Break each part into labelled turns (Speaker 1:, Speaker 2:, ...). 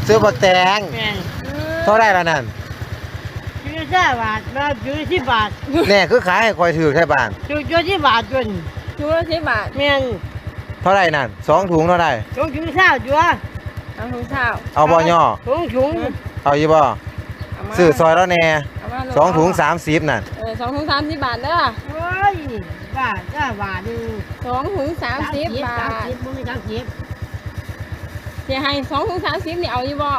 Speaker 1: ซื้อบักแตง
Speaker 2: แม่น
Speaker 1: เท่าไรละนั่น
Speaker 2: ซื้อ10 บาทมาซื้อ10 บาท
Speaker 1: แน่คือขายให้คอยถือแค่บาง
Speaker 2: ซื้อ10 บาทจน
Speaker 3: ถุงละ10 บาท
Speaker 2: แม่น
Speaker 1: เท่าไรนั่น2 ถุงเท่าไร
Speaker 2: ถุงเช้าจัว
Speaker 3: เอาถุงเช้า
Speaker 1: เอาบ่ย่อ
Speaker 2: ถุง
Speaker 1: เอาอยู่บ่
Speaker 3: เอามา
Speaker 1: ซื้อซอยแล้วแน่
Speaker 3: เอามา
Speaker 1: 2 ถุง30นั่น
Speaker 3: 2 ถุง30 บาทเด้อ
Speaker 2: โอ้ยบาทบาทนึง
Speaker 3: 2 ถุง30 บาท
Speaker 2: 30บ่มี30
Speaker 3: สิให้2 ถุง30นี่เอาอยู่บ่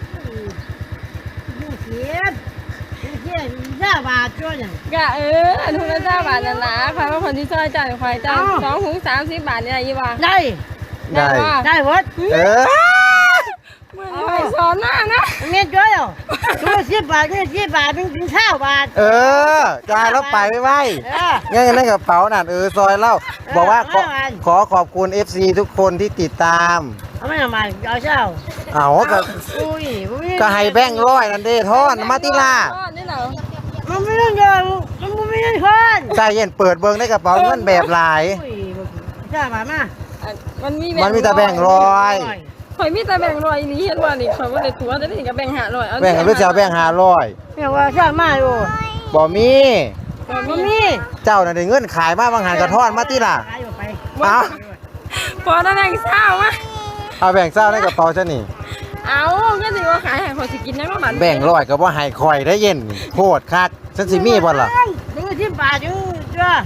Speaker 2: 20บาทจ้ะเนี่ย
Speaker 3: ก็ถุงละ9 บาทนั่นล่ะข่อยว่าคนที่ซอยจ่ายข่อยจ่าย2 ถุง30 บาทนี่ได้อยู่บ่
Speaker 2: ได้
Speaker 1: ได้
Speaker 3: บ่
Speaker 2: ได้หมด
Speaker 1: เออ
Speaker 3: มื้อนี้ข่อยสอนหน้านะ
Speaker 2: เงี้ยจ้ะถุง10 บาทเงี้ย10 บาทเป็นถึง20 บาท
Speaker 1: เออจ่ายแล้วไปไว้
Speaker 2: เออ
Speaker 1: งั้นในกระเป๋านั่นซอยเล่าบอกว่าขอ
Speaker 2: เอาไว้
Speaker 1: ขอขอบคุณ FC ทุกคนที่ติดตาม
Speaker 2: เอาไม่ทำไมเอาเช้า
Speaker 1: เอาก็
Speaker 2: อุ้ย
Speaker 1: ก็ให้แบงค์ร้อยนั่นเด้ทอนมาติล่า
Speaker 3: ทอดนี่เหรอ
Speaker 2: มันไม่ต้องเดินมันไม่ต้องคน
Speaker 1: ใจเย็นเปิดเบิ่งในกระเป๋าเงินแบบหลาย
Speaker 2: อุ้ย20 บาทมา
Speaker 3: มันมี
Speaker 1: มันมีแต่แบงค์ร้อย
Speaker 3: ข่อยมีแต่แบ่ง100อีหลีเห็นว่านี่ข่อยบ่ได้ตัวแต่นี่ก็แบ่ง500เอา
Speaker 1: แบ่งกันหรือจะเอาแบ่ง500
Speaker 2: เรียกว่าช่างมาอยู่
Speaker 1: บ่มี
Speaker 2: มันมี
Speaker 1: เจ้าน่ะได้เงินขายมาบางหันกระทอนมาติล่ะ
Speaker 2: ขายไป
Speaker 1: เอา
Speaker 3: พอได้แบ่งเช้ามา
Speaker 1: เอาแบ่งเศร้าในกระเป๋าฉันนี่
Speaker 3: เอาก็สิว่าขายให้ข่อยสิกินได้บ่บาท
Speaker 1: แบ่งร้อยก็บ่ให้คอยได้เย็นโคตรคักฉันสิมีบ่ล่ะ
Speaker 2: ถึง10 บาทอยู่จ้ะ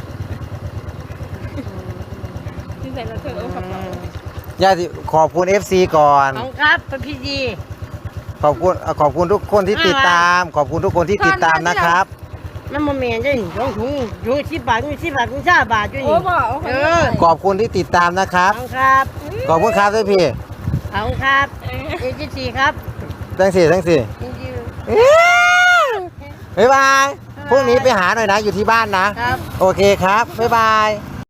Speaker 3: ที่ใส่แล้วเธอเอากระเป๋า
Speaker 1: ย่าสิขอบคุณ FC ก่อน
Speaker 2: ของครับเป็นพี่ดี
Speaker 1: ขอบคุณทุกคนที่ติดตาม ขอบคุณทุกคนที่ติดตามนะครับ
Speaker 2: มันโมเมนต์ได้ถุง10 บาท10 บาท20 บาทอยู่
Speaker 3: โอ้
Speaker 2: นี่
Speaker 3: บ่เอาข่อย
Speaker 2: เออ
Speaker 1: ขอบคุณที่ติดตามนะครับ
Speaker 2: ของครับ
Speaker 1: ขอบคุณครับด้วยพี่
Speaker 2: ของครับ24ครับ
Speaker 1: ทั้งสี่
Speaker 2: จริง
Speaker 1: บ๊ายบายพรุ่งนี้ไปหาหน่อยนะอยู่ที่บ้านนะ
Speaker 2: ๆครับ
Speaker 1: โอเคครับ บ๊ายบาย